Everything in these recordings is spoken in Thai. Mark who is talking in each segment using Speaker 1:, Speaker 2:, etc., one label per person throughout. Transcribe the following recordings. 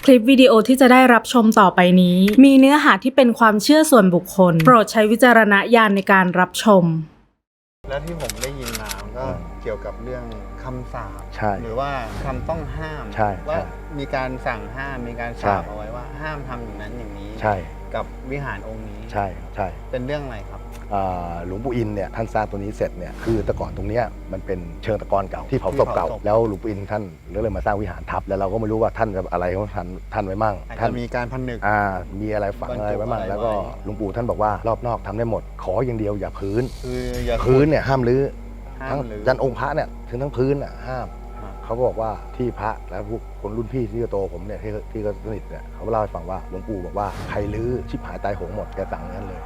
Speaker 1: ลิปวิดีโอที่จะได้รับชมต่อไปนี้มีเนื้อหาที่เป็นความเชื่อส่วนบุคคลโปรดใช้วิจารณญาณในการรับชม
Speaker 2: แล้วที่ผมได้ยินมาก็เกี่ยวกับเรื่องคำสาปหรือว่าคำต้องห้ามว่ามีการสั่งห้ามมีการสาปเอาไว้ว่าห้ามทำอย่างนั้นอย่างนี้กับวิหารองค์นี้
Speaker 3: ใช่
Speaker 2: เป็นเรื่องอะไรครับ
Speaker 3: หลวงปู่อินเนี่ยท่านสร้างตัวนี้เสร็จเนี่ยคือแต่ก่อนตรงนี้มันเป็นเชิงตะกอนเก่าที่เผาศพเก่าแล้วหลวงปู่อินท่านเลยมาสร้างวิหารทับแล้วเราก็ไม่รู้ว่าท่านจะอะไรของท่านไว้มั่ง
Speaker 2: ท่านมีการผนึก
Speaker 3: มีอะไรฝังอะไรไว้มั่งแล้วก็หลวงปู่ท่านบอกว่ารอบนอกทำได้หมดขออย่างเดียวอย่าพื้นพื้นเนี่ยห้ามรื้อทั้งยันองค์พระเนี่ยถึงทั้งพื้นห้ามเขาบอกว่าที่พระและพวกคนรุ่นพี่ที่โตผมเนี่ยที่ก็สนิทเนี่ยเขาเล่าให้ฟังว่าหลวงปู่บอกว่าใครรื้อชิบหายตายโหงหมดแกสั่งนั้นเลย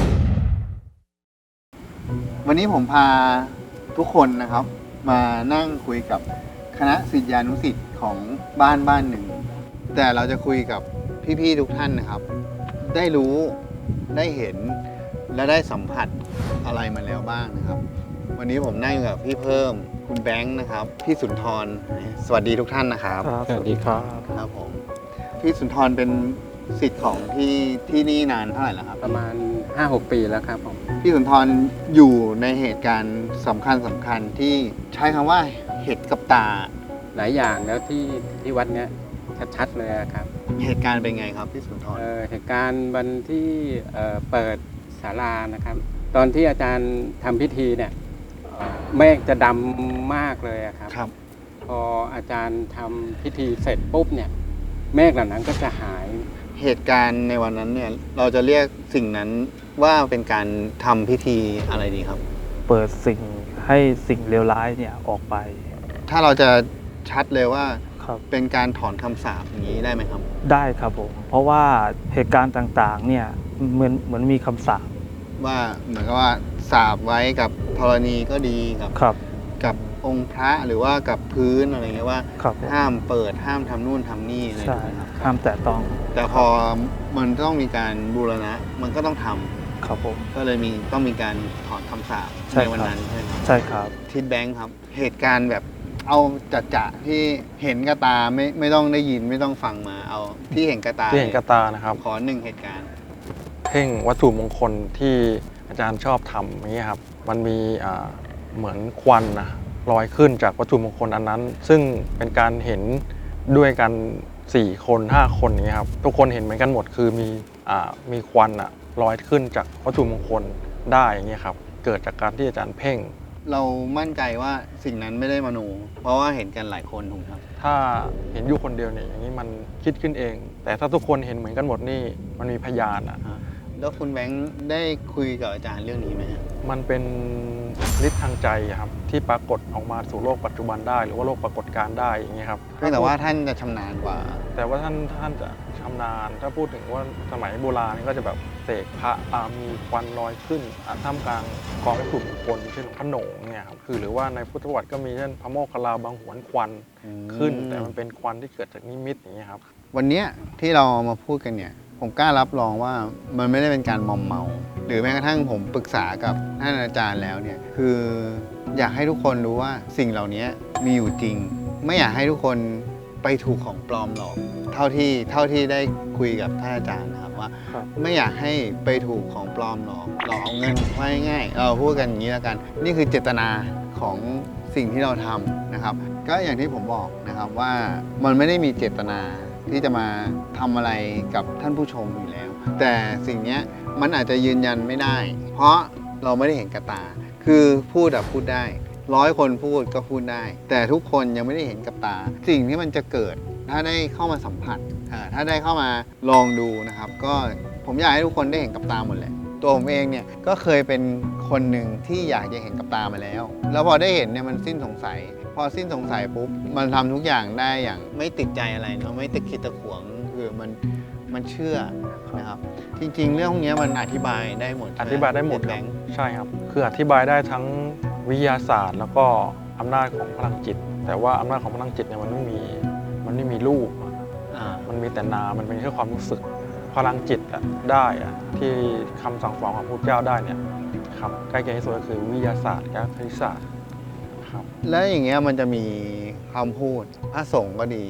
Speaker 2: วันนี้ผมพาทุกคนนะครับมานั่งคุยกับคณะศิษยานุศิษย์ของบ้านหนึ่งแต่เราจะคุยกับพี่ๆทุกท่านนะครับได้รู้ได้เห็นและได้สัมผัสอะไรมาแล้วบ้างนะครับวันนี้ผมนั่งอยู่กับพี่เพิ่มคุณแบงค์นะครับพี่สุนทรสวัสดีทุกท่านนะครับ
Speaker 4: สวัสดีครับ
Speaker 2: ครับผมพี่สุนทรเป็นศิษย์ของที่นี่นานเท่าไหร่แล้วครับ
Speaker 4: ประมาณ 5-6 ปีแล้วครับผม
Speaker 2: พี่สุนทรอยู่ในเหตุการณ์สำคัญที่ใช้คำว่าเห็นกับตา
Speaker 4: หลายอย่างแล้วที่วัดเนี้ยชัดๆเลยครับ
Speaker 2: เหตุการณ์เป็นไงครับพี่สุนทร
Speaker 4: เหตุการณ์วันที่เปิดศาลานะครับตอนที่อาจารย์ทำพิธีเนี่ยเมฆจะดำมากเลยครับพออาจารย์ทำพิธีเสร็จปุ๊บเนี่ยเมฆเหล่านั้นก็จะหาย
Speaker 2: เหตุการณ์ในวันนั้นเนี่ยเราจะเรียกสิ่งนั้นว่าเป็นการทำพิธีอะไรดีครับ
Speaker 5: เปิดสิ่งให้สิ่งเลวร้ายเนี่ยออกไป
Speaker 2: ถ้าเราจะชัดเลยว่าเป็นการถอนคำสาปอย่างนี้ได้ไหมครับ
Speaker 5: ได้ครับผมเพราะว่าเหตุการณ์ต่างๆเนี่ยเหมือนมีคำสาป
Speaker 2: ว่าเหมือนกับว่าสาปไว้กับธรณีก็ดีกับองค์พระหรือว่ากับพื้นอะไรเงี้ยว่าห้ามเปิดห้ามทำนู่นทำนี่อะไร
Speaker 5: ครับห้ามแตะต้อง
Speaker 2: แต่พอมันต้องมีการบูรณะมันก็ต้องทำ
Speaker 5: ครับผม
Speaker 2: ก็เลยต้องมีการถอนคำสาปในวันนั้นใช่ไหม
Speaker 5: ใช่ครับ
Speaker 2: ทิศแบงค์ครับเหตุการณ์แบบเอาจัดที่เห็นกระตาไม่ต้องได้ยินไม่ต้องฟังมาเอาที่เห็นกระตา
Speaker 4: นะครับ
Speaker 2: ขอ1เหตุการณ์
Speaker 4: เพ่งวัตถุมงคลที่อาจารย์ชอบทำอย่างนี้ครับมันมีเหมือนควันนะลอยขึ้นจากวัตถุมงคลอันนั้นซึ่งเป็นการเห็นด้วยกัน4 คน 5 คนนี้ครับทุกคนเห็นเหมือนกันหมดคือมีควันลอยขึ้นจากวัตถุมงคลได้อย่างนี้ครับเกิดจากการที่อาจารย์เพ่ง
Speaker 2: เรามั่นใจว่าสิ่งนั้นไม่ได้มโนเพราะว่าเห็นกันหลายคนถูกครับ
Speaker 4: ถ้าเห็นอยู่คนเดียวเนี่ยอย่างนี้มันคิดขึ้นเองแต่ถ้าทุกคนเห็นเหมือนกันหมดนี่มันมีพยาน
Speaker 2: แล้วคุณแบงค์ได้คุยกับอาจารย์เรื่องนี้ไหม
Speaker 4: มันเป็นฤทธิ์ทางใจครับที่ปรากฏออกมาสู่โลกปัจจุบันได้หรือว่าโลกปรากฏการได้อย่างนี้ครับ
Speaker 2: แต่ว่าท่านจะชำนาญกว่า
Speaker 4: แต่ว่าท่านจะชำนาญถ้าพูดถึงว่าสมัยโบราณก็จะแบบเสกพระมีควันลอยขึ้นท่ามกลางกองวัตถุมงคลเช่นพระโหนงเนี่ยครับคือหรือว่าในพุทธประวัติก็มีเช่นพระโมคคัลลาบางหวนควันขึ้นแต่มันเป็นควันที่เกิดจากนิมิตอย่างนี้ครับ
Speaker 2: วันนี้ที่เรามาพูดกันเนี่ยผมกล้ารับรองว่ามันไม่ได้เป็นการมอมเมาหรือแม้กระทั่งผมปรึกษากับท่านอาจารย์แล้วเนี่ยคืออยากให้ทุกคนรู้ว่าสิ่งเหล่านี้มีอยู่จริงไม่อยากให้ทุกคนไปถูกของปลอมหลอกเท่าที่ได้คุยกับท่านอาจารย์นะครับว่าไม่อยากให้ไปถูกของปลอมหลอกเอาเงินไว้ง่ายเราพูดกันอย่างนี้แล้วกันนี่คือเจตนาของสิ่งที่เราทำนะครับก็อย่างที่ผมบอกนะครับว่ามันไม่ได้มีเจตนาที่จะมาทำอะไรกับท่านผู้ชมอยู่แล้วแต่สิ่งนี้มันอาจจะยืนยันไม่ได้เพราะเราไม่ได้เห็นกับตาคือพูดได้100 คนพูดก็พูดได้แต่ทุกคนยังไม่ได้เห็นกับตาสิ่งที่มันจะเกิดถ้าได้เข้ามาสัมผัสถ้าได้เข้ามาลองดูนะครับก็ผมอยากให้ทุกคนได้เห็นกับตาหมดแหละตัวผมเองเนี่ยก็เคยเป็นคนหนึ่งที่อยากจะเห็นกับตามาแล้วพอได้เห็นเนี่ยมันสิ้นสงสัยพอสิ้นสงสัยปุ๊บมันทำทุกอย่างได้อย่างไม่ติดใจอะไรเนาะไม่ตะคิดตะขวงคือมันเชื่อนะครับจริงๆเรื่องพวกนี้มันอธิบายได้หมด
Speaker 4: อธิบายได้หมดใช่ครับคืออธิบายได้ทั้งวิทยาศาสตร์แล้วก็อำนาจของพลังจิตแต่ว่าอำนาจของพลังจิตเนี่ยมันไม่มีรูปมันมีแต่นามมันเป็นแค่ความรู้สึกพลังจิตได้ที่คำสั่งสอนของพระพุทธเจ้าได้เนี่ยครับใกล้เคียงที่สุดก็คือวิทยาศาสตร์กับคณิตศาสตร์
Speaker 2: แล้วอย่างเงี้ยมันจะมีคำพูดพระสงฆ์ก็ดี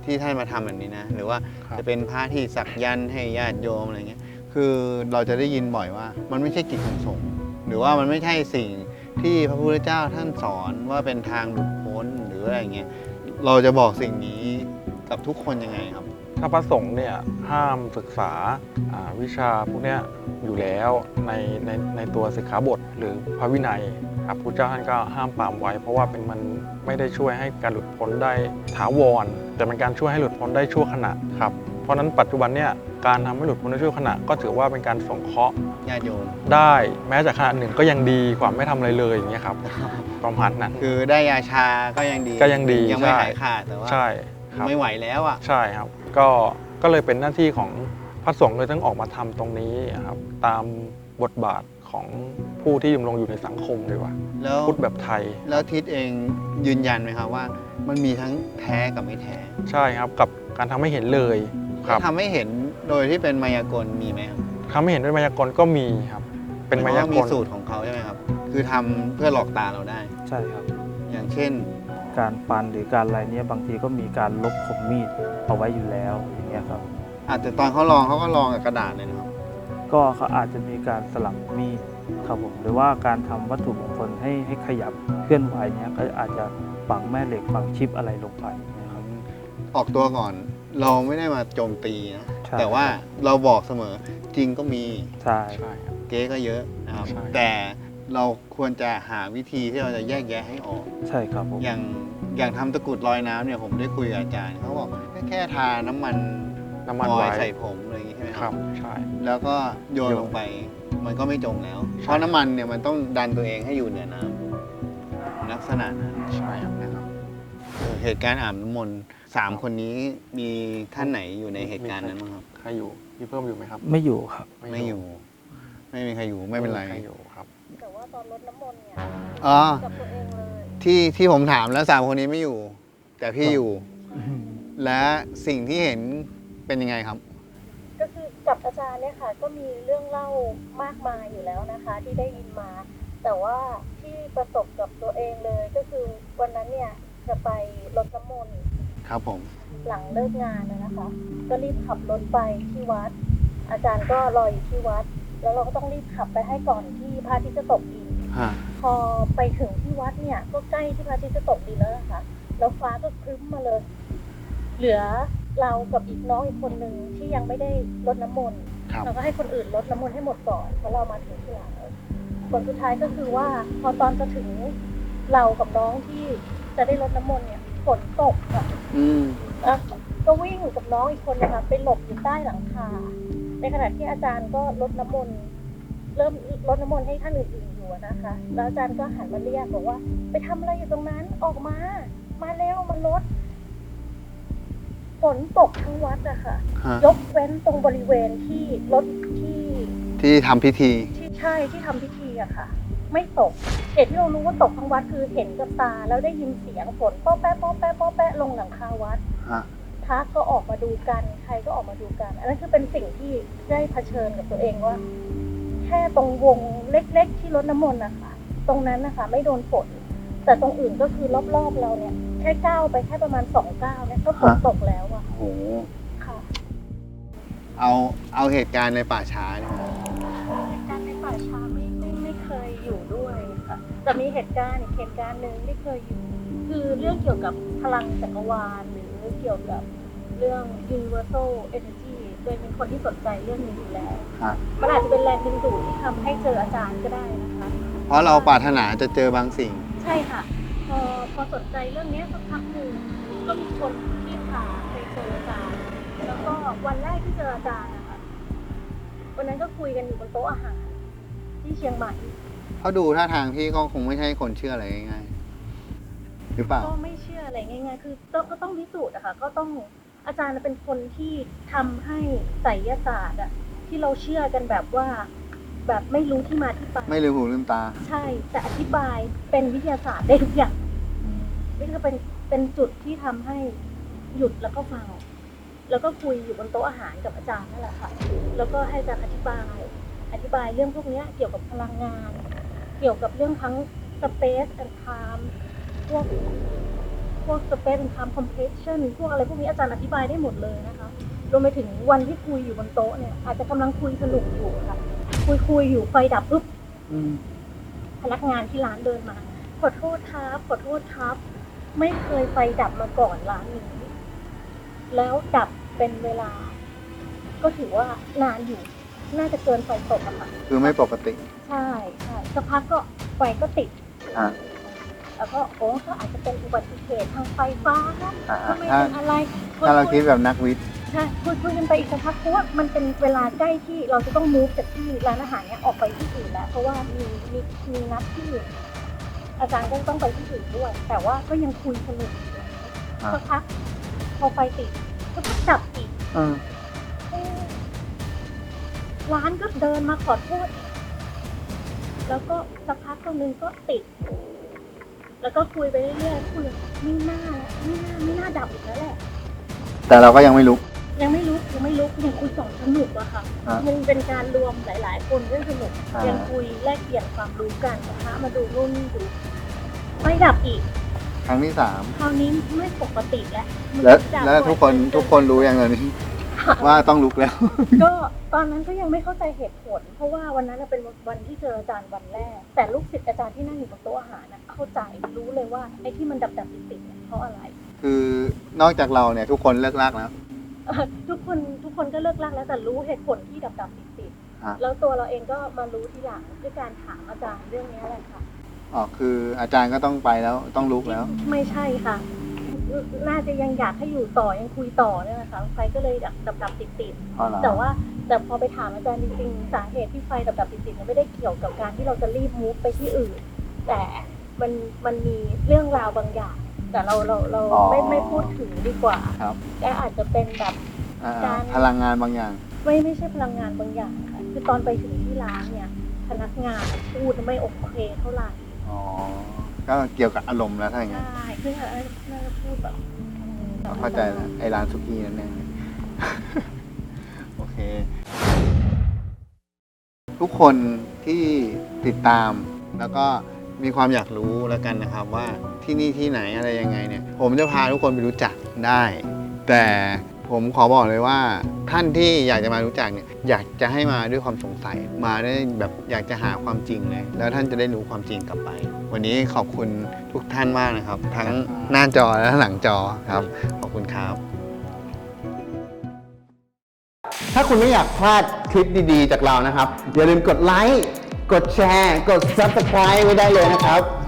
Speaker 2: ที่ท่านมาทำแบบนี้นะหรือว่า
Speaker 4: ครับ
Speaker 2: จะเป็นพระที่สักยันต์ให้ญาติโยมอะไรเงี้ยคือเราจะได้ยินบ่อยว่า มันไม่ใช่กิจของสงฆ์หรือว่ามันไม่ใช่สิ่งที่พระพุทธเจ้าท่านสอนว่าเป็นทางหลุดพ้นหรืออะไรเงี้ยเราจะบอกสิ่งนี้กับทุกคนยังไงครับ
Speaker 4: ถ้าพระสงฆ์เนี่ยห้ามศึกษาวิชาพวกเนี้ยอยู่แล้วในตัวสิกขาบทหรือพระวินัยครับพระเจ้าท่านก็ห้ามปรามไว้ เพราะว่ามันไม่ได้ช่วยให้การหลุดพ้นได้ถาวรแต่เป็นการช่วยให้หลุดพ้นได้ชั่วขณะครับเพราะฉะนั้นปัจจุบันเนี่ยการทำให้หลุดพ้นได้ชั่วขณะก็ถือว่าเป็นการสงเคราะห์
Speaker 2: ญาติโยม
Speaker 4: ได้แม้จากขณะหนึ่งก็ยังดีกว่าไม่ทำอะไรเลยอย่างเงี้ยครับประมาณนั้น
Speaker 2: คือได้ยาชาก็ยังดี
Speaker 4: ก็ยังดี
Speaker 2: ยังไม่
Speaker 4: ใช่
Speaker 2: หายขาดแต่ว่า
Speaker 4: ใช่ครับ
Speaker 2: ไม่ไหวแล้วอ่ะ
Speaker 4: ใช่ครับก็เลยเป็นหน้าที่ของพระสงฆ์เลยต้องออกมาทำตรงนี้ครับตามบทบาทของผู้ที่ดำรงอยู่ในสังคมดีกว่า
Speaker 2: แล้ว
Speaker 4: พุทธแบบไทย
Speaker 2: แล้วทิศเองยืนยันไหมครับว่า มันมีทั้งแท้กับไม่แท้
Speaker 4: ใช่ครับกับการทำให้เห็นเลยครับ
Speaker 2: ทำให้เห็นโดยที่เป็นมายากลมีไหมครับ
Speaker 4: ทำให้เห็นด้วยมายากลก็มีครับเป็นมายาก
Speaker 2: มี
Speaker 4: ล
Speaker 2: สูตรของเขาใช่ไหมครับ คือทำเพื่อหลอกตาเราได้
Speaker 5: ใช่ครับ
Speaker 2: อย่างเช่น
Speaker 5: การปันหรือการอะไรเนี้ยบางทีก็มีการลบคมมีดเอาไว้อยู่แล้วอย่างเงี้ยครับ
Speaker 2: อาจจะตอนเขาลองเขาก็ลองกับกระดาษเลยนะครับ
Speaker 5: ก็เขาอาจจะมีการสลับมีดครับผมหรือว่าการทำวัตถุมงคลให้ขยับเคลื่อนไหวเนี้ยก็อาจจะฝังแม่เหล็กฝังชิปอะไรลงไปนะครับ
Speaker 2: ออกตัวก่อนเราไม่ได้มาโจมตีนะ
Speaker 5: ใช่
Speaker 2: แต่ว่าเราบอกเสมอจริงก็มี
Speaker 5: ใช่
Speaker 4: ใช่ครับ
Speaker 2: เก๊ก็เยอะนะครับ
Speaker 4: ใช่
Speaker 2: แต่เราควรจะหาวิธีที่เราจะแยกแยะให้ออก
Speaker 5: ใช่ครับผม
Speaker 2: อย่างทำตะกรุดลอยน้ำเนี่ยผมได้คุยกับอาจารย์เขาบอกแค่ทาน้ำมัน
Speaker 4: น้ำมัน
Speaker 2: ออย
Speaker 4: ไว้
Speaker 2: ล์ใส่ผมอะไรอย่างงี้ใช่ไหม
Speaker 4: ครับใช่
Speaker 2: แล้วก็โยน
Speaker 4: โยน
Speaker 2: ลงไปมันก็ไม่จมแล้ว
Speaker 4: ใช่
Speaker 2: เพราะน้ำมันเนี่ยมันต้องดันตัวเองให้อยู่เหนือน้ำลักษณะนั้น
Speaker 4: ใช่ครับ
Speaker 2: นะครับเหตุการณ์อาบน้ำมนต์3 คนนี้มีท่านไหนอยู่ในเหตุการณ์นั้นบ้างครับ
Speaker 4: ใครอยู่พี่เพิ่มอยู่ไหมครับ
Speaker 5: ไม่อยู่ครับ
Speaker 2: ไม่อยู่ ไม่มีใครอยู่ไม่เป็นไร
Speaker 4: ใครอยู่ครับ
Speaker 6: แต่ว่าตอนรดน้ำมนต์เนี่ย
Speaker 2: อ๋อ
Speaker 6: กับตัวเองเลย
Speaker 2: ที่ผมถามแล้ว3 คนนี้ไม่อยู่ แต่พี่อยู่ และสิ่งที่เห็นเป็นยังไงครับ
Speaker 6: ก็คือกับอาจารย์เนี่ยค่ะ ก็มีเรื่องเล่ามากมายอยู่แล้วนะคะ ที่ได้ยินมา แต่ว่าที่ประสบกับตัวเองเลยก็คือวันนั้นเนี่ยจะไปรดน้ำมนต์
Speaker 2: ครับผม
Speaker 6: หลังเลิกงานนะคะ ก็รีบขับรถไปที่วัด อาจารย์ก็รออยู่ที่วัด แล้วเราก็ต้องรีบขับไปให้ก่อนที่พระอาทิตย์จะตกดิน
Speaker 2: ฮะ
Speaker 6: พอไปถึงที่วัดเนี่ยก็ใกล้ที่พระอาทิตย์จะตกดินแล้วนะคะ แล้วฟ้าก็ครึ้มมาเลย เหลือเรากับอีกน้องอีกคนหนึ่งที่ยังไม่ได้รดน้ำมนต์
Speaker 2: ครับ
Speaker 6: เราก็ให้คนอื่นรดน้ำมนต์ให้หมดก่อนเพราะเรามาถึงที่หลังผลสุดท้ายก็คือว่าพอตอนจะถึงเรากับน้องที่จะได้รดน้ำมนต์เนี่ยฝนตกค่ะ
Speaker 2: อืม
Speaker 6: อ่ะก็วิ่งกับน้องอีกคนนะคะไปหลบอยู่ใต้หลังคาในขณะที่อาจารย์ก็รดน้ำมนต์เริ่มรดน้ำมนต์ให้ท่านอื่นๆอยู่อะนะคะ แล้วอาจารย์ก็หันมาเรียกบอกว่า ไปทำอะไรอยู่ตรงนั้นออกมาเร็วมารดฝนตกทั้งวัดอะค่ะ
Speaker 2: ฮะ
Speaker 6: ยกเว้นตรงบริเวณที่รถที่
Speaker 2: ที่ทำพิธี
Speaker 6: ใช่ที่ทำพิธีอะค่ะ ไม่ตกเหตุที่เรารู้ว่าตกทั้งวัดคือเห็นกับตาแล้วได้ยินเสียงฝนป๊อแป๊ะป๊อแป๊ะป๊อแป๊ะลงหลังคาวัด
Speaker 2: ฮะ
Speaker 6: พระก็ออกมาดูกันใครก็ออกมาดูกัน อันนั้นคือเป็นสิ่งที่ได้เผชิญกับตัวเองว่า แค่ตรงวงเล็กๆที่รดน้ำมนต์นะคะตรงนั้นนะคะไม่โดนฝนแต่ตรงอื่นก็คือรอบๆเราเนี่ยแค่ก้าวไปแค่ประมาณ2 ก้าวเนี่ยก็ฝนตกแล้วอะ
Speaker 2: โอ้โห
Speaker 6: ค่ะ
Speaker 2: เอาเหตุการณ์ในป่าช้าเนี่ยนะ
Speaker 6: เหตุการณ์ในป่าช้าไม่เคยอยู่ด้วยค่ะแต่มีเหตุการณ์อีกเหตุการณ์หนึ่งที่เคยอยู่คือเรื่องเกี่ยวกับพลังจักรวาลหรือเกี่ยวกับเรื่อง universal energy โดยเป็นคนที่สนใจเรื่องนี้อยู่แล้ว
Speaker 2: ฮะ
Speaker 6: มันอาจจะเป็นแรงดึงดูดที่ทำให้เจออาจารย์ก็ได้นะคะ
Speaker 2: เพราะเราปรารถนาจะเจอบางสิ่ง
Speaker 6: ใช่ค่ะ พอสนใจเรื่องนี้สักพักหนึ่งก็มีคนที่พาไปเจออาจารย์ แล้วก็วันแรกที่เจออาจารย์นะคะวันนั้นก็คุยกันอยู่บนโต๊ะอาหารที่เชียงใหม่
Speaker 2: เขาดูท่าทางพี่ก็คงไม่ใช่คนเชื่ออะไรง่ายๆหรือเปล่า
Speaker 6: ก็ไม่เชื่ออะไรง่ายๆ คือก็ต้องพิสูจน์อะค่ะ ก็ต้องอาจารย์เป็นคนที่ทำให้ไสยศาสตร์อะที่เราเชื่อกันแบบว่า แบบไม่รู้ที่มาที่ไป
Speaker 2: ไม่ลืมหูลืมตา
Speaker 6: ใช่ แต่อธิบายเป็นวิทยาศาสตร์ได้ทุกอย่างนี่ก็เป็นจุดที่ทำให้หยุดแล้วก็ฟัง แล้วก็คุยอยู่บนโต๊ะอาหารกับอาจารย์นั่นแหละค่ะ แล้วก็ให้อาจารย์อธิบายเรื่องพวกนี้เกี่ยวกับพลังงาน เกี่ยวกับเรื่องทั้ง space and time พวกพวก space and time compression พวกอะไรพวกนี้อาจารย์อธิบายได้หมดเลยนะคะรวมไปถึงวันที่คุยอยู่บนโต๊ะเนี่ยอาจจะกำลังคุยสนุกอยู่ค่ะคุยอยู่ไฟดับปุ๊บพนักงานที่ร้านเดินมาขอโทษครับไม่เคยไฟดับมาก่อนร้านนี้แล้วดับเป็นเวลา ก็ถือว่านานอยู่น่าจะเกินไฟตกอะค่ะ
Speaker 2: คือไม่ปกติ
Speaker 6: ใช่สักพักก็ไฟก็ติดแล้วก็ก็อาจจะเป็นอุบัติเหตุทางไฟฟ้าครับทำไมเป็นอะไร
Speaker 2: ถ้าเราคิดแบบนักวิทย์
Speaker 6: ใช่คุยกันไปอีกสักพักเพราะว่ามันเป็นเวลาใกล้ที่เราจะต้องมูฟจากที่ร้านอาหารเนี้ยออกไปที่อื่นแล้วเพราะว่ามีนัดที่อื่นอาจารย์ก็ต้องไปที่อื่นด้วย แต่ว่าก็ยังคุยสนุกอยู่สักพักพอไฟติดก็ดับอีกร้านก็เดินมาขอโทษแล้วก็สักพักตรงนึงก็ติดแล้วก็คุยไปเรื่อยๆคุยไม่น่าดับอีกแล้วแหละ
Speaker 2: แต่เราก็ยังไม่ลุก
Speaker 6: ยังไม่ลุกยังคุยสอนสนุกอะค่ะมันเป็นการรวมหลายๆคนเรื่องสนุกยังคุยแลกเปลี่ยนความรู้กันนะคะมาดูนู่นนี่ดูไม่ดับอีก
Speaker 2: ครั้งที่
Speaker 6: คราวนี้ไม่ปกติแล้ว
Speaker 2: 3 แล้วทุกคนรู้อย่างนี้ว่าต้องลุกแล้ว
Speaker 6: ก็ตอนนั้นก็ยังไม่เข้าใจเหตุผล เพราะว่าวันนั้นเป็นวันที่เจออาจารย์วันแรก แต่ลูกศิษย์อาจารย์ที่นั่งอยู่บนโต๊ะอาหารนะเข้าใจรู้เลยว่าไอ้ที่มันดับติดเนี่ยเพราะอะไร
Speaker 2: คือนอกจากเราเนี่ยทุกคนเลิกลากแล้ว
Speaker 6: ทุกคนก็เลิกลากแล้วแต่รู้เหตุผลที่ดับติด
Speaker 2: ฮะ
Speaker 6: แล้วตัวเราเองก็มารู้ทีหลังด้วยการถามอาจารย์เรื่องนี้แหละค่ะ
Speaker 2: อ๋อคืออาจารย์ก็ต้องไปแล้วต้องลุกแล้ว
Speaker 6: ไม่ใช่ค่ะ น่าจะยังอยากให้อยู่ต่อยังคุยต่อเนี่ยนะคะไฟก็เลยดับติด
Speaker 2: อ๋อเหรอ
Speaker 6: แต่พอไปถามอาจารย์จริงๆสาเหตุที่ไฟดับติดเนี่ยไม่ได้เกี่ยวกับการที่เราจะรีบมูฟไปที่อื่น แต่มันมีเรื่องราวบางอย่าง แต่เราไม่พูดถึงดีกว่า
Speaker 2: ครับ
Speaker 6: แต่อาจจะเป็นแบบ การ
Speaker 2: พลังงานบางอย่าง
Speaker 6: ไม่ใช่พลังงานบางอย่างค่ะคือตอนไปถึงที่ร้านเนี่ยพนักงานพูดไม่โอเคเท่าไหร่
Speaker 2: อ๋อ ก็เกี่ยวกับอารมณ์แล้วถ้าอย่างนั้น
Speaker 6: ใช่คือน่าจะพูดแบบ
Speaker 2: เข้าใจแล้วไอ้ร้านสุกี้นั่นเอง โอเค ทุกคนที่ติดตามแล้วก็มีความอยากรู้แล้วกันนะครับว่าที่นี่ที่ไหนอะไรยังไงเนี่ย ผมจะพาทุกคนไปรู้จักได้ แต่ผมขอบอกเลยว่าท่านที่อยากจะมารู้จักเนี่ยอยากจะให้มาด้วยความสงสัยมาได้แบบอยากจะหาความจริงเลย แล้วท่านจะได้รู้ความจริงกลับไป วันนี้ขอบคุณทุกท่านมากนะครับ ทั้งหน้าจอและหลังจอครับขอบคุณครับ
Speaker 7: ถ้าคุณไม่อยากพลาดคลิปดีๆจากเรานะครับ อย่าลืมกดไลค์ กดแชร์ กด Subscribe ไว้ได้เลยนะครับ